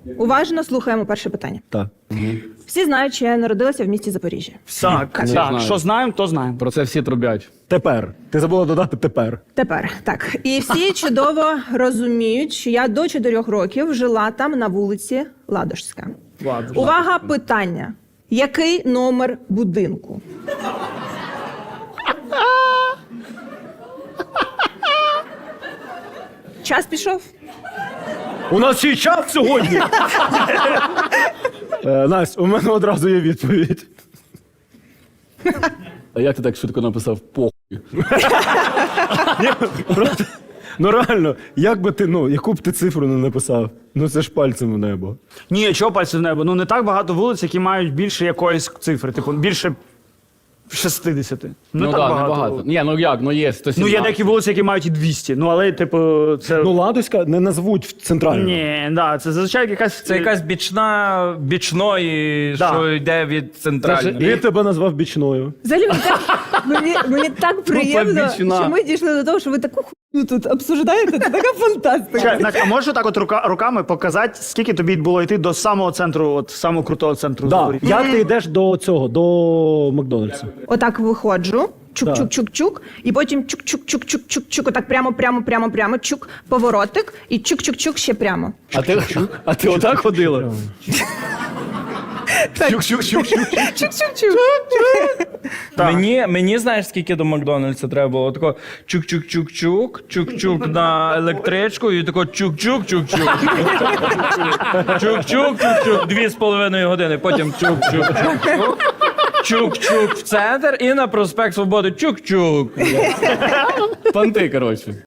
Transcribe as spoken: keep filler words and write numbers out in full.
Уважно слухаємо перше питання. Так. Всі знають, що я народилася в місті Запоріжжя. Так, так. знаю. Що знаємо, то знаємо. Про це всі трубять. Тепер. Ти забула додати тепер. Тепер, так. І всі чудово розуміють, що я до чотирьох років жила там на вулиці Ладожська. Ладно. Увага, питання. Який номер будинку? Час пішов? У нас ще й час сьогодні. Е, Настя, у мене одразу є відповідь. А як ти так швидко написав похуй? Ні, просто, ну реально, як би ти, ну, яку б ти цифру не написав? Ну це ж пальцем у небо. Ні, чого пальців в небо? Ну не так багато вулиць, які мають більше якоїсь цифри, типу більше шістдесят. Не Ну так так, багато. небагато. Ні, ну як, ну є сто сімнадцять. Ну є деякі вулиці, які мають і двісті. Ну але, типу, це. Ну, Ладоська не назвуть в центральну. Ні, да, це зазвичай якась. Це якась бічна бічної, Да. що йде від центральної. Він тебе назвав бічною. Взагалі, мені так, мені, мені так приємно, побічна. що ми дійшли до того, що ви таку хуйню тут обсуждаєте. Це така фантастика. Чекай, Настя, а можеш так от рука, руками показати, скільки тобі було йти до самого центру, от самого крутого центру Да. Запоріжжя? Як ти йдеш до цього, до Макдональдсу? Отак виходжу, чук-чук-чук-чук, і потім чук-чук-чук-чук-чук, отак прямо, прямо, прямо, прямо, чук, поворотик, і чук-чук-чук ще прямо. А ти, а ти отак ходила? Чук-чук-чук. Мені, мені знаєш, скільки до Макдональдса треба було? Тако чук-чук-чук-чук, чук-чук на електричку і тако чук-чук-чук-чук. Чук-чук-чук-чук, дві з половиною години, потім чук-чук-чук. Чук-чук в центр і на проспект Свободи чук-чук. Панти, коротше.